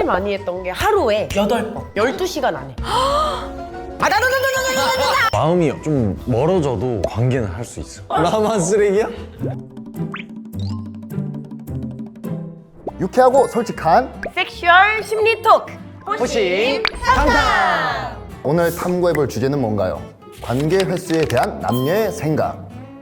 많이 했던 게 하루에 8번 12시간 안에 마음이 좀 멀어져도 관계는 할 수 있어. 나만 쓰레기야? 유쾌하고 솔직한 섹슈얼 심리 토크 호심 탐탐. 오늘 탐구해볼 주제는 뭔가요? 관계 횟수에 대한 남녀의 생각.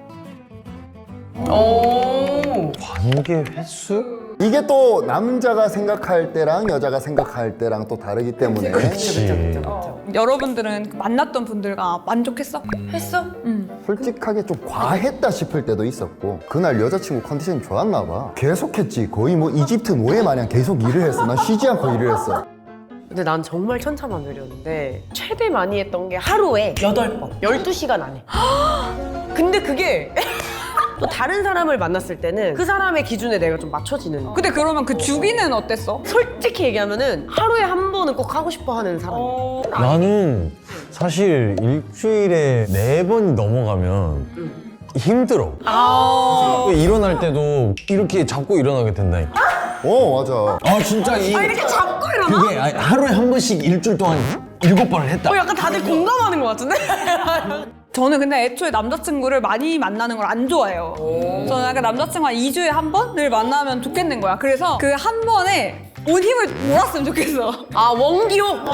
관계 횟수? 이게 또 남자가 생각할 때랑 여자가 생각할 때랑 또 다르기 때문에 그치. 여러분들은 만났던 분들과 만족했어? 했어? 솔직하게 좀 과했다 싶을 때도 있었고, 그날 여자친구 컨디션이 좋았나 봐. 계속했지. 거의 뭐 이집트 노예 마냥 계속 일을 했어. 난 쉬지 않고 일을 했어. 근데 난 정말 천차만별이었는데 최대 많이 했던 게 하루에 8번 12시간 안에 근데 그게 또 다른 사람을 만났을 때는 그 사람의 기준에 내가 좀 맞춰지는. 근데 그러면 그 주기는 어땠어? 솔직히 얘기하면은 하루에 한 번은 꼭 하고 싶어 하는 사람. 나는 사실 일주일에 4번 넘어가면 힘들어. 일어날 때도 이렇게 잡고 일어나게 된다니까. 맞아. 아 진짜 이렇게 잡고 일어나? 그게 하루에 한 번씩 일주일 동안 7번을 했다. 약간 다들 공감하는 것 같은데? 저는 근데 애초에 남자친구를 많이 만나는 걸 안 좋아해요. 저는 약간 남자친구 한 2주에 한 번을 만나면 좋겠는 거야. 그래서 그 한 번에 온 힘을 몰았으면 좋겠어. 아, 원기옥.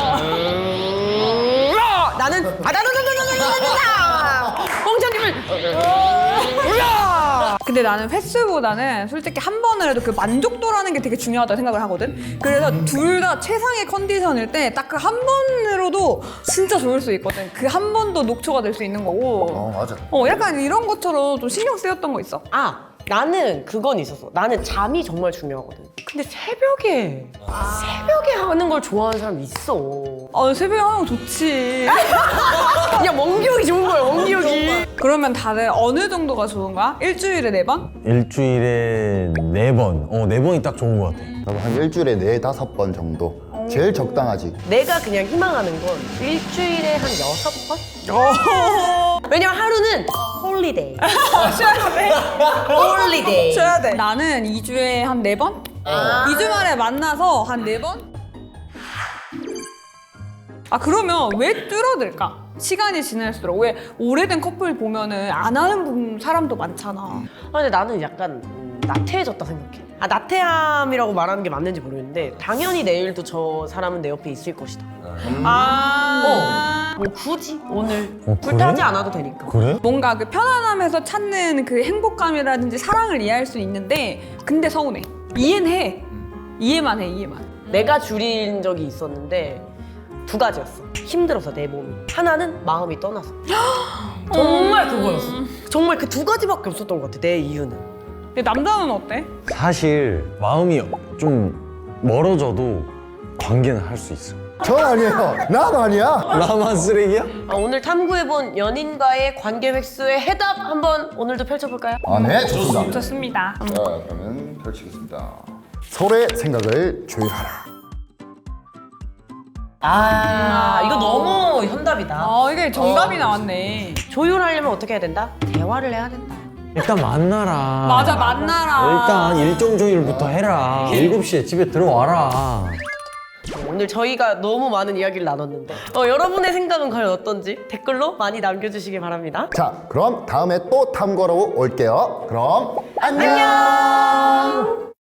나는 홍자님을 근데 나는 횟수보다는 솔직히 한 번을 해도 그 만족도라는 게 되게 중요하다고 생각을 하거든. 그래서 둘 다 최상의 컨디션일 때 딱 그 한 번으로도 진짜 좋을 수 있거든. 그 한 번도 녹초가 될 수 있는 거고. 맞아. 약간 이런 것처럼 좀 신경 쓰였던 거 있어. 나는 그건 있었어. 나는 잠이 정말 중요하거든. 근데 새벽에 하는 걸 좋아하는 사람 있어. 새벽에 하는 거 좋지. 야, 원기옥이 좋은 거야, 원기옥이. 그러면 다들 어느 정도가 좋은 거야? 일주일에 4번? 일주일에 4번. 4번이 딱 좋은 것 같아. 나도 한 일주일에 4-5번 정도. 제일 적당하지. 내가 그냥 희망하는 건 일주일에 한 6번? 왜냐면 하루는 홀리데이. 쉬어야 돼. 홀리데이. 쉬어야 돼. 나는 2주에 한 4번? 2주 만에 만나서 한 4번? 그러면 왜 줄어들까? 시간이 지날수록. 왜 오래된 커플 보면은 안 하는 사람도 많잖아. 근데 나는 약간 나태해졌다 생각해. 나태함이라고 말하는 게 맞는지 모르겠는데 당연히 내일도 저 사람은 내 옆에 있을 것이다. 뭐 굳이 오늘 불타지 그래? 않아도 되니까. 그래? 뭔가 그 편안함에서 찾는 그 행복감이라든지 사랑을 이해할 수 있는데 근데 서운해. 이해는 해. 이해만 해, 이해만. 내가 줄인 적이 있었는데 2가지였어. 힘들어서 내 몸이. 하나는 마음이 떠나서. 정말 그거였어. 정말 그 2가지밖에 없었던 것 같아. 내 이유는. 근데 남자는 어때? 사실 마음이 좀 멀어져도 관계는 할 수 있어. 전 아니에요. 난 아니야. 나만 쓰레기야? 오늘 탐구해본 연인과의 관계 획수의 해답 한번 오늘도 펼쳐볼까요? 네, 좋습니다. 좋습니다. 자, 그러면 펼치겠습니다. 서로의 생각을 조율하라. 이거 너무 현답이다. 이게 정답이 나왔네. 조율하려면 어떻게 해야 된다? 대화를 해야 된다. 일단 만나라. 맞아, 만나라. 일단 일정 조율부터 해라. 7시에 집에 들어와라. 오늘 저희가 너무 많은 이야기를 나눴는데 여러분의 생각은 과연 어떤지 댓글로 많이 남겨주시기 바랍니다. 자, 그럼 다음에 또 탐구하러 올게요. 그럼 안녕.